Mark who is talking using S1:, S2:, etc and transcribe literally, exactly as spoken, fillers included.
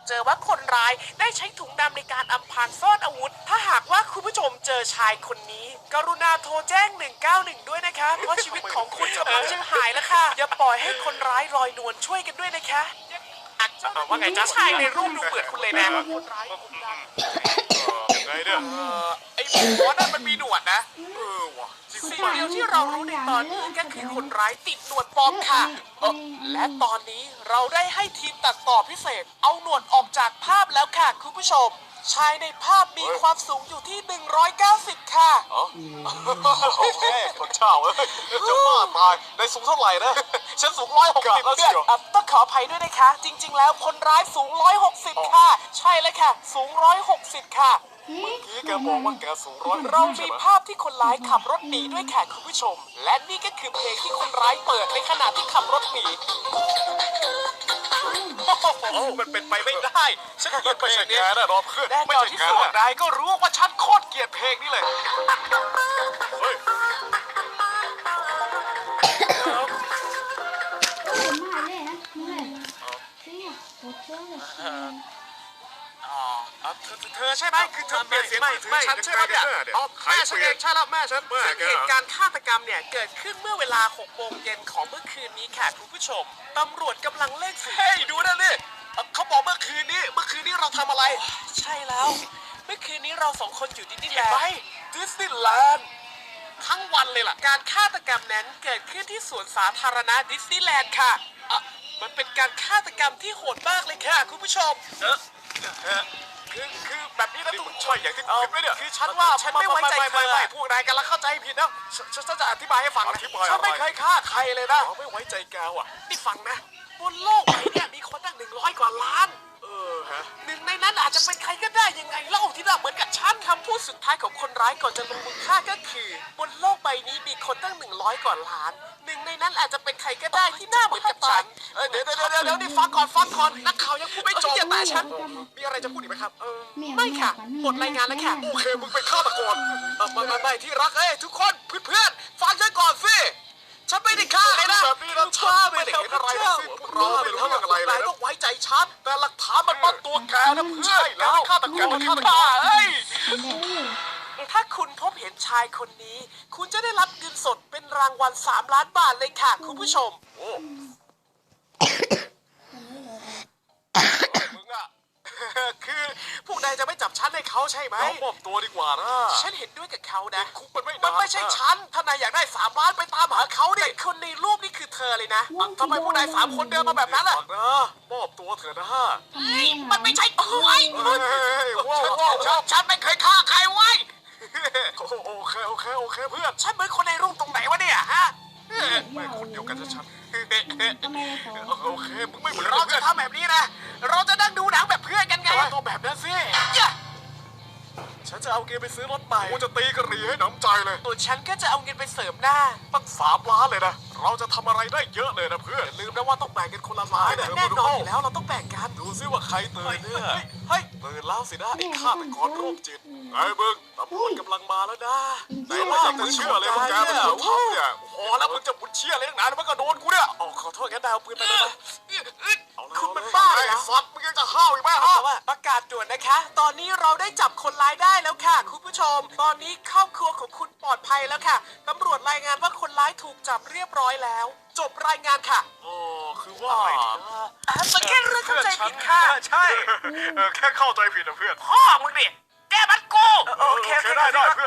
S1: เจอว่าคนร้ายได้ใช้ถุงดำในการอำพรางซ่อนอาวุธถ้าหากว่าคุณผู้ชมเจอชายคนนี้กรุณาโทรแจ้งหนึ่งเก้าหนึ่งด้วยนะคะเพราะชีวิตของคุณกำลังจะหายแล้วค่ะอย่าปล่อยให้คนร้ายลอยนวลช่วยกันด้วยนะคะว่าไงจ๊ะชายในรูปดูเหมือนคุณเลยนะคนร้ายคุณดำ
S2: ยังไงเนี่ย
S1: ไอ้หมอนั่นมันมีหนวดนะเออว่ะสิ่งเดียวที่เรารู้ในตอนนี้ก็คือคนร้ายติดหนวดปลอมค่ะเออและตอนนี้เราได้ให้ทีมตัดต่อพิเศษ เอาหนวดออกจากภาพแล้วค่ะคุณผู้ชม ชายในภาพมีความสูงอยู่ที่หนึ่งร้อยเก้าสิบค่ะ
S2: โอเคคนเช่าเอ้ยจะบ้าตายในสูงเท่าไหร่นะฉันสูงร้อยหกสิบแล้วเชียว
S1: ต้องขออภัยด้วยนะคะ จริง ๆ แล้วคนร้ายสูงร้อยหกสิบค่ะ ใช่เลยค่ะ สูงร้อยหกสิบค่ะ
S2: พี่แกบอกว่าแกสูงร้อย
S1: เรามีภาพที่คนร้ายขับรถหนีด้วยค่ะคุณผู้ชม และนี่ก็คือเพลงที่คนร้ายเปิดในขณะที่ขับรถหนีโอ้มันเป็นไปไม่ได้ฉันเกลียดเพ
S2: ไม่
S1: ล
S2: ใช่
S1: ง
S2: แก
S1: นี้
S2: นะรอเพื่อน
S1: แน่
S2: ไม่
S1: นอน
S2: ใช่
S1: ที่
S2: แก
S1: สุด
S2: นะ
S1: นายก็รู้ว่าฉันโคตรเกลียดเพลงนี้เลย
S2: เฮ้ย
S1: เธอเธอใช่ไหมคือเธอเปลี่ยนเสียงมือถือฉันใช่ไหมเนี่ยอ๋อแม่ฉันเองใช่แล้วแม่ฉันซึ่งเหตุการณ์ฆาตกรรมเนี่ยเกิดขึ้นเมื่อเวลาหกโมงเย็นของเมื่อคืนนี้ค่ะคุณผู้ชมตำรวจกำลังเร่งสืบเฮ้ยดูนั่นนี่เขาบอกเมื่อคืนนี้เมื่อคืนนี้เราทำอะไร ใช่แล้ว เมื่อคืนนี้เราสองคนอยู่ดิสนีย์แลนด์ดิสนีย์แลนด์ทั้งวันเลยล่ะการฆาตกรรมนั้นเกิดขึ้นที่สวนสาธารณะดิสนีย์แลนด์ค่ะอ่ะมันเป็นการฆาตกรรมที่โหดมากเลยค่ะคุณผู้ชมเออคือคือแบบนี้นะทุกคน
S2: ใช่อย่างที่คิดไหมเนี่ย
S1: คือฉันว่าฉันไม่ไว้ใจเธอพวกนายกันแล้วเข้าใจผิดนะฉันฉันจะอธิบายให้ฟังนะ
S2: อธิบายอะไร
S1: ฉันไม่เคยฆ่าใครเลยนะ
S2: เราไม่ไว้ใจแกว่ะ
S1: นี่ฟังนะบนโลกใบเนี้มีคนตั้งหนึ่งร้อยกว่าล้าน
S2: เออฮะ
S1: หนึ่งในนั้นอาจจะเป็นใครก็ได้ยังไงเล่าที่น่าเหมือนกับฉันคำพูดสุดท้ายของคนร้ายก่อนจะลงมือฆ่าก็คือบนโลกใบนี้มีคนตั้งหนึ่งร้อยกว่าล้านหนึ่งในนั้นอาจจะเป็นใครก็ได้ที่หน้าเหมือนกับฉันเอ้ยเดี๋ยวเดี๋ยวเดี๋ยวเดี๋ยวนี่ฟังก่อนฟังก่อนนักข่าวยังพูดไม่จบอย่าแต่ฉันมีอะไรจะพูดอีกไหมครับเออไม่ค่ะหมดรายงานแล้วค่ะ
S2: โอเคมึงเป็นฆาตกร
S1: เออไม่ไม่ไม่ที่รักเอ้ยทุกคนเพื่อนๆฟังฉันก่อนสิฉันไม่ได้ฆ่าเลยนะ
S2: แบบนี้นะฉันไม่ได้เห็นอะไรทั้งสิ้นเราไม่รู้เรื่องอะไรเลยนะ
S1: ต้องไว้ใจฉันแต่หลักฐานมันมัดตัวแกนะเพื่อน
S2: ใช่แล้วฆาตกรฆาตกร
S1: เอ้ยถ้าคุณพบเห็นชายคนนี้ คุณจะได้รับเงินสดเป็นรางวัลสามล้านบาทเลยค่ะคุณผู้ชม
S2: โอ้มึงอะ
S1: คือพวกนายจะไม่จับฉันให้เขาใช่ไหม
S2: เรามอบตัวดีกว่านะ
S1: ฉันเห็นด้วยกับเขานะ
S2: คุกมันไม่
S1: มัน
S2: นาน
S1: ไม่ใช่ฉัน ถ้านายอยากได้สามล้านไปตามหาเขาดิแต่คนในรูปนี่คือเธอเลยนะทำไมพวกนายสามคนเดินมาแบบนั้นล่ะ
S2: ฟังนะมอบตัวเถอะนะ
S1: มันไม่ใช่โอ้ย
S2: เฮ้ยว้าวว้าว
S1: ฉันฉันไม่เคยฆ่าใครไว้
S2: โอเคโอเคโอเคเพื่อน
S1: ฉันเหมือนคนในรูปตรงไหนวะเนี่ยฮะ
S2: ไม่คนเดียวกันชัดๆโอเคมึงไม่เหมือน
S1: เรา
S2: เรา
S1: จะ
S2: จะท
S1: ทำแบบนี้นะ เราจะนั่งดูหนังแบบเพื่อนกันไง
S2: ำตัวแบบนั้นสิ
S1: อย่า
S2: ฉันจะเอาเกมไปซื้อรถใหม่กูจะตีกระหรี่ให้หนำใจเลย
S1: ตัวฉันก็จะเอาเงินไปเสริมหน้า
S2: ตั้งสามล้านเลยนะเราจะทำอะไรได้เยอะเลยนะเพื่อนลืมนะว่าต้องแบ่งกันคนละล้าน
S1: แน่นอนอยู่แล้วเราต้องแบ่งกัน
S2: ดูซิว่าใครตื่นเนี่ย
S1: เฮ้ย
S2: ตื่นแล้วสินะไอ้ฆาตกรโรคจิตไอ้มึงตำรวจกำลังมาแล้วนะไหนว่าจะเชื่อเลยว่าแกเป็นคนทำเนี่ยพอแล้วมึงจะบุญเชื่อเลยตั้งนานมันก็โดนกูเนี่ย
S1: อ๋อขอโทษงั้นดาวปืนไปเลยนะ
S2: เอาละ
S1: คุณมันบ้าเหรอ
S2: ไอ้สัตว์มึงยังจะห้าวอีกไหมฮะ
S1: ประกาศด่วนนะคะ ตอนนี้เราได้จับคนร้ายได้แล้วค่ะ คุณผู้ชม ตอนนี้ครอบครัวของคุณปลอดภัยแล้วค่ะ ตำรวจรายงานว่าคนร้ายถูกจับเรียบร้อยแล้ว จบรายงานค่ะ
S2: โอ้คือว่าไงดีนะ
S1: อ่ะมันแค่เรื่องเข้าใจผิดค่ะ
S2: ใช่เออแค่เข้าใจผิดนะเพื่อน
S1: พ่อมึงดิแกมันกูโอเค
S2: โอเคได้ได้เ